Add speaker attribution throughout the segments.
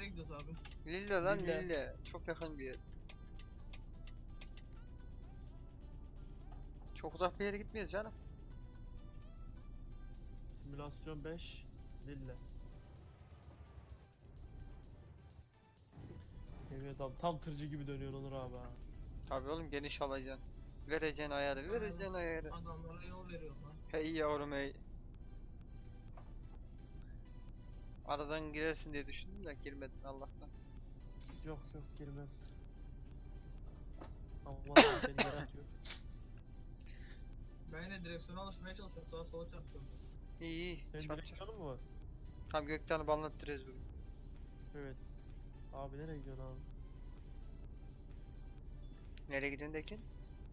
Speaker 1: gidiyoruz abi?
Speaker 2: Lille lan
Speaker 3: Lille.
Speaker 2: Lille. Çok yakın bir yer. Çok uzak bir yere gitmiyoruz canım.
Speaker 3: Simülasyon 5 Lille. Evet abi tam tırcı gibi dönüyor Onur abi ha.
Speaker 2: Abi oğlum geniş alacaksın. Vereceksin ayarı, vereceksin ayarı.
Speaker 1: Adamlara yol veriyorum lan.
Speaker 2: Hey yavrum hey. Aradan girersin diye düşündüm de girmedin Allah'tan.
Speaker 3: Yok yok girmez. Allah seni yere atıyor.
Speaker 1: Ben yine direksiyona alışmaya çalışıyorum. Sağa sola çarpıyorum.
Speaker 2: İyi iyi.
Speaker 3: Senin
Speaker 2: Çap çap.
Speaker 3: direksiyonun mu var?
Speaker 2: Tam Gökten'i banlattırıyoruz bugün.
Speaker 3: Evet. Abi nereye gidiyorsun abi?
Speaker 2: Nereye gidiyorsun Dekin?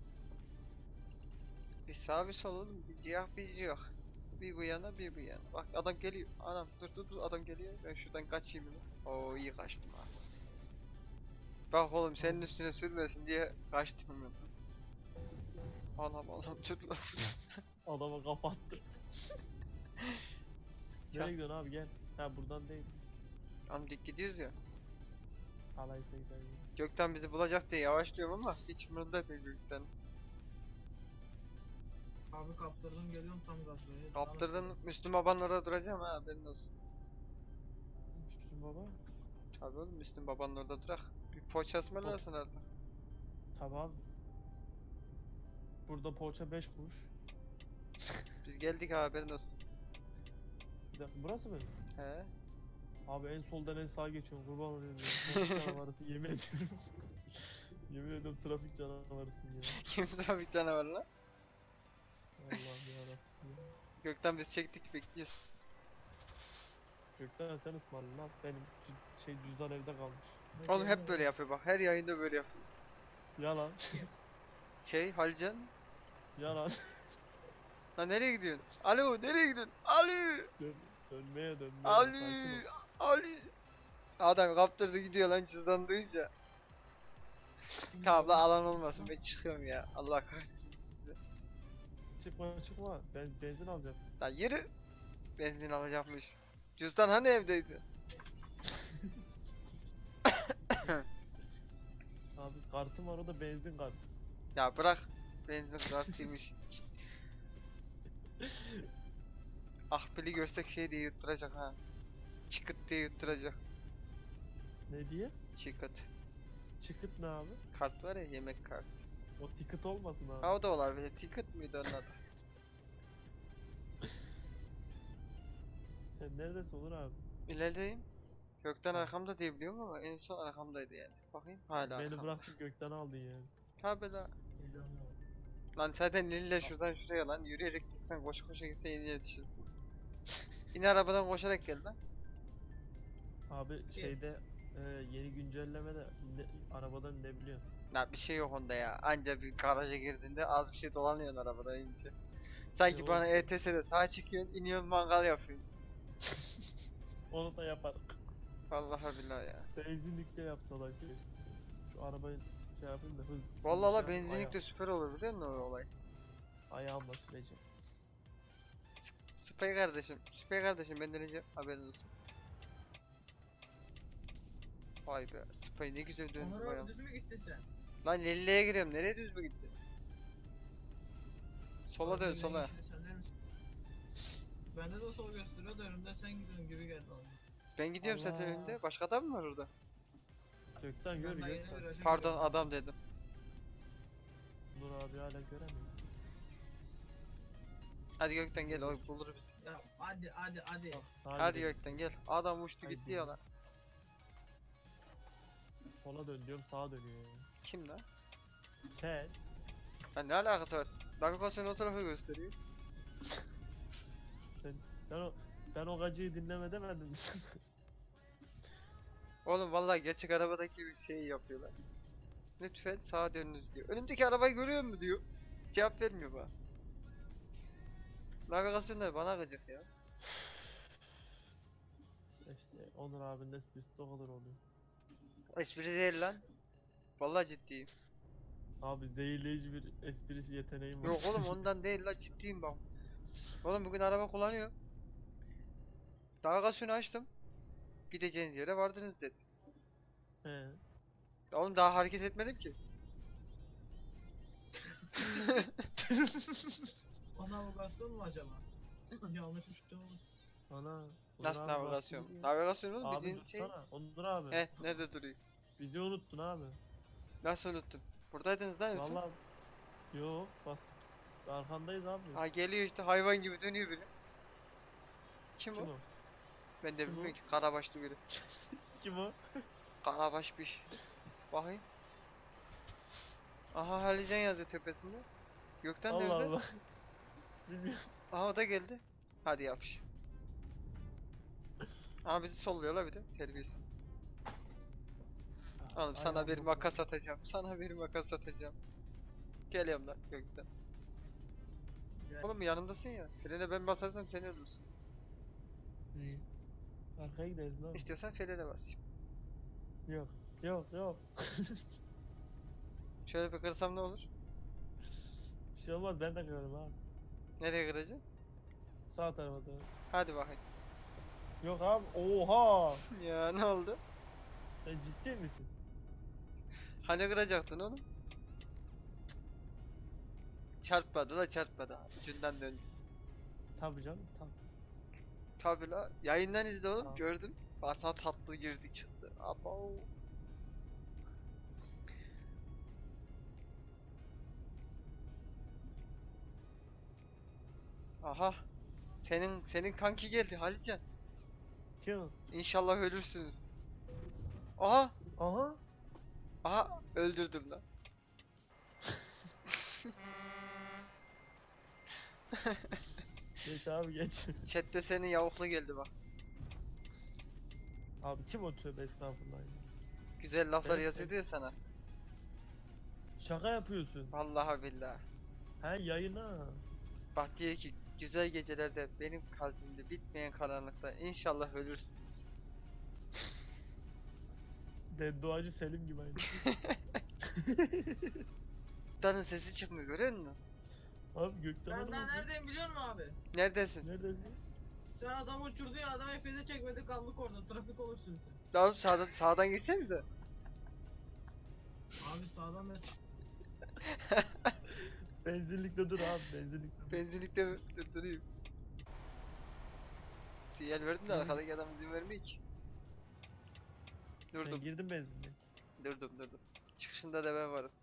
Speaker 2: Bir sağ bir sol oğlum. Bir ciyah bir ciyah. Bir bu yana bir bu yana. Bak adam geliyor. Adam dur adam geliyor. Ben şuradan kaçayım hemen. Oo iyi kaçtım ha. Bak oğlum senin üstüne sürmesin diye kaçtım hemen. Anam dur lan.
Speaker 3: Adama kapattı.
Speaker 2: Çak.
Speaker 3: Nereye gidiyorsun abi gel. Ha buradan değil.
Speaker 2: Anam dik gidiyoruz ya.
Speaker 3: Alaysa gidelim.
Speaker 2: Gökten bizi bulacak diye yavaşlıyorum ama hiç umurumda değil Gökten.
Speaker 1: Abi kaptırdım geliyorum tam gaz böyle.
Speaker 2: Kaptırdın Müslüm babanın orada duracağım ha haberin olsun.
Speaker 3: Müslüm baba.
Speaker 2: Tabii oğlum Müslüm babanın orada durak. Bir poğaça ısmarlasın artık.
Speaker 3: Tamam. Burada poğaça 5 kuruş.
Speaker 2: Biz geldik ha haberin olsun.
Speaker 3: Bir dakika burası mı?
Speaker 2: He.
Speaker 3: Abi en soldan en sağa geçiyorum kurban olayım ya. Trafik canavarısın yemin ediyorum. Yemin ediyorum trafik canavarısın ya.
Speaker 2: Kim trafik canavarı lan?
Speaker 3: Allah'ım yarabbim.
Speaker 2: Gökten biz çektik bekliyoruz.
Speaker 3: Gökten sen ısmarla lan. Benim cüzdan evde kalmış.
Speaker 2: Oğlum hep böyle yapıyor bak her yayında böyle yapıyor.
Speaker 3: Yalan.
Speaker 2: Halcan.
Speaker 3: Yalan.
Speaker 2: Lan nereye gidiyorsun? Alo nereye gidiyorsun? Alo.
Speaker 3: Dönmeye.
Speaker 2: Alo.
Speaker 3: Sakin ol.
Speaker 2: Alo. Adam kaptırdı gidiyor lan cüzdan duyunca. Tamam lan alan olmasın ben çıkıyorum ya. Allah kahretsin sizi.
Speaker 3: Çıkma. Ben benzin alacağım.
Speaker 2: Lan yürü. Benzin alacakmış. Cüzdan hani evdeydi?
Speaker 3: Abi kartım var o da benzin kartı.
Speaker 2: Ya bırak. Benzin kartıymış. Ahbili görsek şey diye yutturacak ha. Çıkıt diye yutturacak.
Speaker 3: Ne diye?
Speaker 2: Çıkıt.
Speaker 3: Çıkıt ne abi?
Speaker 2: Kart var ya yemek kartı.
Speaker 3: O ticket olmasın abi.
Speaker 2: Ha o da olabilir. Ticket miydi onun adı?
Speaker 3: Sen neredesin Onur abi?
Speaker 2: İlerideyim. Gökten arkamda diye biliyorum ama en son arkamdaydı yani. Bakayım hala
Speaker 3: Beni
Speaker 2: arkamda.
Speaker 3: bıraktın gökten aldın yani.
Speaker 2: Tabi la. Lan zaten Lille şuradan şuraya lan yürüyerek gitsen koşa gitsen yeni yetişirsin. Yine arabadan koşarak gel lan.
Speaker 3: Abi şeyde yeni güncellemede arabadan ne biliyorsun?
Speaker 2: Ya bir şey yok onda ya. Anca bir garaja girdiğinde az bir şey dolanıyorsun arabadan inince. Sanki
Speaker 3: Yok.
Speaker 2: bana ETS'de sağa çıkıyorsun, iniyorsun mangal yapıyorsun.
Speaker 3: Onu da yaparım.
Speaker 2: Vallahi billahi ya.
Speaker 3: Benzinlikte yapsalar ki. Şu arabayı şey yapayım da hız.
Speaker 2: Vallahi la
Speaker 3: şey yapayım,
Speaker 2: benzinlik de süper olur biliyor musun o olay?
Speaker 3: ayağımla süreceğim.
Speaker 2: Spy kardeşim benden önce haberin olsun. Vay be, Spy ne güzel döndü
Speaker 1: Onur
Speaker 2: bayağı.
Speaker 1: abi düz mü gittin sen?
Speaker 2: Lan Lille'ye giriyorum, nereye düz mü gitti? Sola dön
Speaker 1: Abi,
Speaker 2: sola.
Speaker 1: yeşil, sen değil misin? Bende de o sol gösteriyor da önümde sen gidiyorsun gibi geldi bana.
Speaker 2: Ben gidiyorum zaten
Speaker 3: Allah.
Speaker 2: önünde, başka adam mı var orada?
Speaker 3: Gökten gör
Speaker 1: Ben daha yeni
Speaker 3: gökten.
Speaker 1: viraja
Speaker 2: Pardon
Speaker 1: giriyorum.
Speaker 2: adam dedim.
Speaker 3: Nur abi hala göremiyor.
Speaker 2: Hadi Gökten gel, o bulur bizi.
Speaker 1: Ya hadi.
Speaker 2: Hadi Gökten gel. Adam uçtu
Speaker 3: Haydi.
Speaker 2: gitti ya lan.
Speaker 3: Sola dön diyorum sağa dönüyor yani.
Speaker 2: Kim lan?
Speaker 3: Sen
Speaker 2: Lan ne alakası var? Navigasyon o tarafa gösteriyor.
Speaker 3: ben o gacıyı dinleme demedim.
Speaker 2: Oğlum vallahi gerçek arabadaki bir şey yapıyorlar. Lütfen sağa dönünüz diyor. Önümdeki arabayı görüyor mu diyor. Cevap vermiyor bana. Navigasyonlar bana gıcık ya.
Speaker 3: İşte Onur abinin esprisi de o kadar oluyor.
Speaker 2: Espri değil lan. Vallahi ciddiyim.
Speaker 3: Abi zehirleyici bir espri yeteneğim var.
Speaker 2: Yok oğlum ondan değil la ciddiyim bak. Oğlum bugün araba kullanıyor. Navigasyonu açtım. Gideceğiniz yere vardınız dedi.
Speaker 3: He.
Speaker 2: Oğlum daha hareket etmedim ki.
Speaker 1: O navigasyon mu acaba? Yanlış bir şey olmuş.
Speaker 3: Ana. Onur
Speaker 2: Nasıl
Speaker 3: abi
Speaker 2: navigasyon?
Speaker 3: bastın ya.
Speaker 2: Navigasyon oğlum
Speaker 3: Abi
Speaker 2: bildiğin şey.
Speaker 3: dursana. Onur abi.
Speaker 2: He nerede duruyor?
Speaker 3: Bizi unuttun abi.
Speaker 2: Nasıl unuttun? Buradaydınız lan en son.
Speaker 3: Vallahi. Yok bastık. Arkandayız abi.
Speaker 2: Ha geliyor işte hayvan gibi dönüyor biri. Kim
Speaker 3: Kim
Speaker 2: o?
Speaker 3: o?
Speaker 2: Ben de
Speaker 3: Kim o?
Speaker 2: bilmiyorum ki karabaşlı biri.
Speaker 3: Kim o?
Speaker 2: Karabaş bir şey. Bakayım. Aha Halican yazıyor tepesinde. Gökten
Speaker 3: Allah
Speaker 2: nerede?
Speaker 3: Allah. Bilmiyorum.
Speaker 2: Aha o da geldi. Hadi yapış. Aha bizi solluyorlar bir de terbiyesiz. Oğlum sana
Speaker 3: Aynen
Speaker 2: bir
Speaker 3: bu.
Speaker 2: makas atacağım. Sana bir makas atacağım. Geliyorum lan gökten.
Speaker 1: Gel.
Speaker 2: Oğlum yanımdasın ya. Frene ben basarsam sen ölürsün.
Speaker 3: İyi. Arkaya gideriz lan.
Speaker 2: İstiyorsan frene basayım.
Speaker 3: Yok. Yok yok.
Speaker 2: Şöyle bir kırsam ne olur?
Speaker 3: Bir şey olmaz ben de kırarım abi.
Speaker 2: Nereye kıracaksın?
Speaker 3: Sağ tarafa doğru.
Speaker 2: Hadi bakayım.
Speaker 3: Yok abi. Oha.
Speaker 2: Ya ne oldu?
Speaker 3: Sen ciddi misin?
Speaker 2: Hani kıracaktın oğlum? Çarpmadı la çarpmadı. Ucundan döndü.
Speaker 3: Tabii canım. Tabii.
Speaker 2: Tabi la. Yayından izle oğlum
Speaker 3: Tamam.
Speaker 2: gördüm. Valla tatlı girdi çıktı. Abo. Aha. Senin kanki geldi Halican.
Speaker 3: Kim?
Speaker 2: İnşallah ölürsünüz. Aha.
Speaker 3: Aha.
Speaker 2: Aha öldürdüm lan.
Speaker 3: Geç abi geç.
Speaker 2: Chat'te senin yavuklu geldi bak.
Speaker 3: Abi kim o tövbe estağfurullah ya.
Speaker 2: Güzel laflar
Speaker 3: Evet,
Speaker 2: yazıyordu ya sana.
Speaker 3: Şaka yapıyorsun.
Speaker 2: Vallahi billahi.
Speaker 3: He yayına.
Speaker 2: Bak diyor ki güzel gecelerde benim kalbimde bitmeyen karanlıkta inşallah ölürsünüz.
Speaker 3: Bedduacı Selim gibi aynı.
Speaker 2: Danın sesi çıkmıyor görüyor musun?
Speaker 3: Abi gökten
Speaker 1: Ben
Speaker 3: adam
Speaker 1: daha
Speaker 3: atıyor.
Speaker 1: neredeyim biliyor musun abi?
Speaker 2: Neredesin?
Speaker 3: Neredesin?
Speaker 1: Sen adamı uçurdu ya adam F'de çekmedi kaldık orada trafik oluşturdu.
Speaker 2: Ya oğlum sağdan geçsenize.
Speaker 1: Abi sağdan da
Speaker 3: Benzinlikte dur abi benzinlikte dur.
Speaker 2: Benzinlikte durayım. Sinyal verdim de
Speaker 3: Hı.
Speaker 2: arkadaki adam izin vermiyor ki.
Speaker 3: Ben
Speaker 2: Durdum,
Speaker 3: girdim benzinliğe.
Speaker 2: durdum. Çıkışında da ben varım.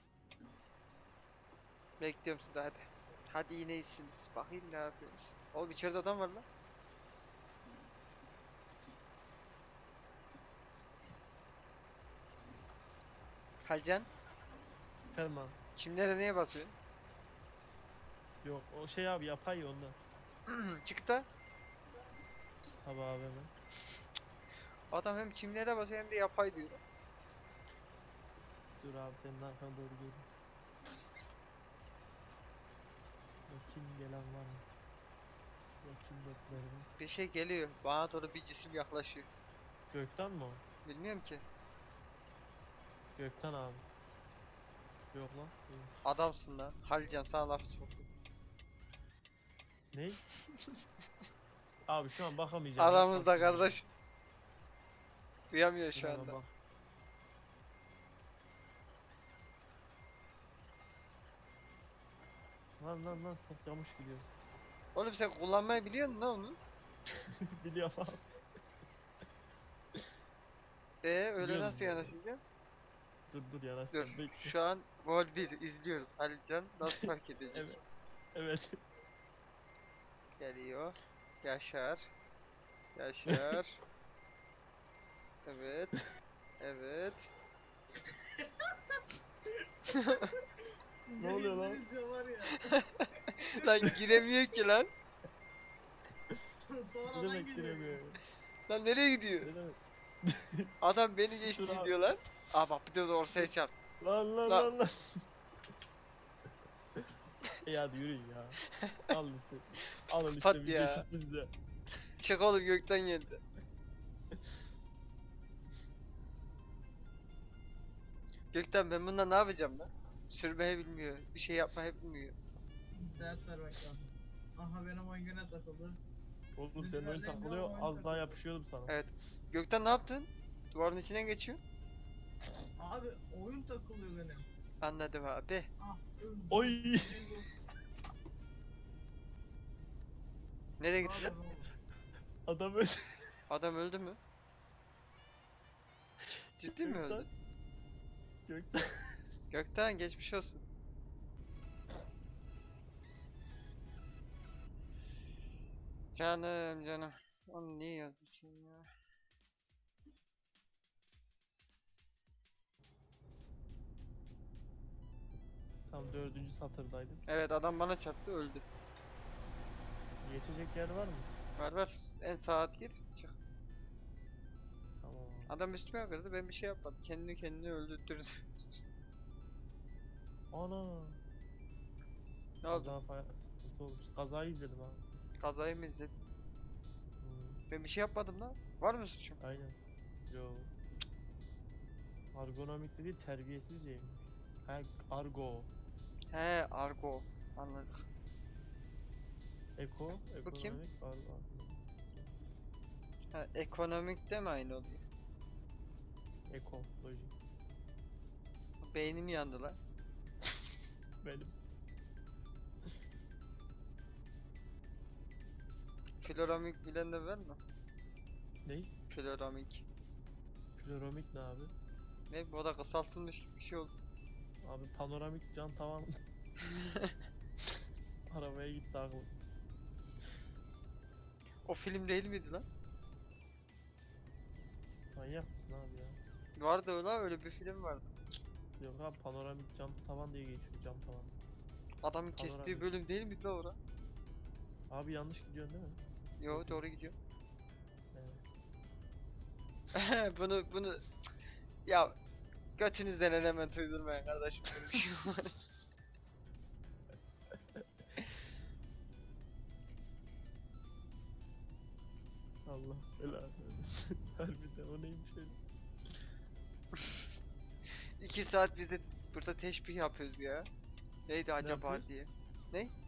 Speaker 2: Bekliyorum sizi hadi. Hadi yine iyisiniz. Bakayım ne yapıyorsunuz. Oğlum içeride adam var lan. Halcan,
Speaker 3: Efendim abi.
Speaker 2: kimlere neye basıyorsun?
Speaker 3: Yok o şey abi yapay ya ondan.
Speaker 2: Çık da.
Speaker 3: Tabi abi hemen.
Speaker 2: Adam hem çimlere basıyor hem de yapay diyor.
Speaker 3: Dur abi senin arkana doğru geliyorum. Bakayım gelen var mı? Bakayım beklerim.
Speaker 2: Bir şey geliyor. Bana doğru bir cisim yaklaşıyor.
Speaker 3: Gökten mi o?
Speaker 2: Bilmiyorum ki.
Speaker 3: Gökten abi. Yok lan. Değil.
Speaker 2: Adamsın lan. Halcan sana laf soktu.
Speaker 3: Ne? Abi şu an bakamayacağım.
Speaker 2: Aramızda
Speaker 3: Bakmayacağım.
Speaker 2: kardeş. Duyamıyor şu
Speaker 3: Hemen
Speaker 2: anda.
Speaker 3: bak. Lan çok yamuş gidiyor.
Speaker 2: Oğlum sen kullanmayı biliyor musun lan onu?
Speaker 3: Biliyorum abi.
Speaker 2: Öyle
Speaker 3: Biliyorum
Speaker 2: nasıl
Speaker 3: ya.
Speaker 2: yanaşacaksın?
Speaker 3: Dur yanaş.
Speaker 2: Dur.
Speaker 3: Bekle.
Speaker 2: Şu an gol 1 izliyoruz. Halcan nasıl fark edecek?
Speaker 3: Evet. Evet.
Speaker 2: Geliyor. Yaşar. Yaşar. Evet. Evet.
Speaker 3: Ne oluyor lan?
Speaker 1: Yayından izliyor var ya.
Speaker 2: Lan giremiyor ki lan.
Speaker 3: Ne
Speaker 1: Sonradan
Speaker 3: demek
Speaker 1: geliyor.
Speaker 3: giremiyor?
Speaker 2: Lan nereye gidiyor?
Speaker 3: Ne demek?
Speaker 2: Adam beni geçti
Speaker 3: Dur abi.
Speaker 2: diyor lan. Aa bak bir de ortaya çarptı.
Speaker 3: Lan.
Speaker 2: Lan.
Speaker 3: İyi hadi yürüyün ya. Al işte. Alın işte
Speaker 2: Psikopat
Speaker 3: video
Speaker 2: ya.
Speaker 3: çıktı size.
Speaker 2: Çık oğlum gökten geldi. Gökten ben bununla ne yapacağım lan? Sürmeyi bilmiyor. Bir şey yapmayı bilmiyor.
Speaker 1: Ders vermek lazım. Aha benim oyun güne takıldı.
Speaker 3: Oğlum
Speaker 1: Biz
Speaker 3: senin oyun
Speaker 1: neredeyim ya?
Speaker 3: takılıyor.
Speaker 1: Oyun
Speaker 3: Az daha
Speaker 1: takılıyor.
Speaker 3: yapışıyordum sana.
Speaker 2: Evet. Gökten ne yaptın? Duvarın içinden geçiyor.
Speaker 1: Abi oyun takılıyor benim.
Speaker 2: Anladım abi.
Speaker 1: Ah öldüm.
Speaker 3: Oy.
Speaker 1: Cengo.
Speaker 2: Nereye
Speaker 1: Ne
Speaker 2: gitti lan?
Speaker 1: yapıyorsun oğlum?
Speaker 3: Adam öldü.
Speaker 2: Adam öldü mü? Ciddi mi
Speaker 3: Gökten.
Speaker 2: öldü?
Speaker 3: Gökten.
Speaker 2: Gökten geçmiş olsun. Canım canım. Onu niye yazdın sen ya?
Speaker 3: Tam 4. satırdaydım.
Speaker 2: Evet adam bana çarptı öldü.
Speaker 3: Geçecek yer var mı?
Speaker 2: Var var. En sağa gir. Çık.
Speaker 3: Tamam.
Speaker 2: Adam üstüme kırdı. Ben bir şey yapmadım. Kendini öldürdü.
Speaker 3: Ana.
Speaker 2: Ne oldu?
Speaker 3: Kaza falan sıkıntı olmuş. Kazayı izledim abi.
Speaker 2: Kazayı mı izledin?
Speaker 3: Hmm,
Speaker 2: Ben bir şey yapmadım lan. Var mı suçum?
Speaker 3: aynen. Yo. Argonomik dedi terbiyesizceymiş. Ha argo.
Speaker 2: He argo. Anladık.
Speaker 3: Eko.
Speaker 2: Bu kim?
Speaker 3: Ekonomik. Argo.
Speaker 2: Ha ekonomik de mi aynı oluyor?
Speaker 3: Ekoloji.
Speaker 2: Beynim yandı lan.
Speaker 3: Benim.
Speaker 2: Floramik bilen de var mı?
Speaker 3: Ney?
Speaker 2: Floramik.
Speaker 3: Floromik ne abi?
Speaker 2: Ne bu da kısaltılmış gibi bir şey oldu.
Speaker 3: Abi panoramik cam tavan. Arabaya gitti aklım.
Speaker 2: O film değil miydi lan?
Speaker 3: Manyak mısın abi ya?
Speaker 2: Vardı öyle bir film vardı.
Speaker 3: Yok abi panoramik cam tavan diye geçiyor cam tavan.
Speaker 2: Adamın kestiği
Speaker 3: Panoramik.
Speaker 2: bölüm değil miydi lan ora?
Speaker 3: Abi yanlış gidiyorsun değil mi?
Speaker 2: Yo doğru gidiyor.
Speaker 3: Evet.
Speaker 2: bunu ya götünüzden element uydurmayın kardeşim böyle bir şey olmaz.
Speaker 3: Allah belanı versin. Harbiden o neymiş öyle?
Speaker 2: 2 saat biz de burada teşbih yapıyoruz ya. Neydi acaba
Speaker 3: yapıyoruz?
Speaker 2: diye. Ne?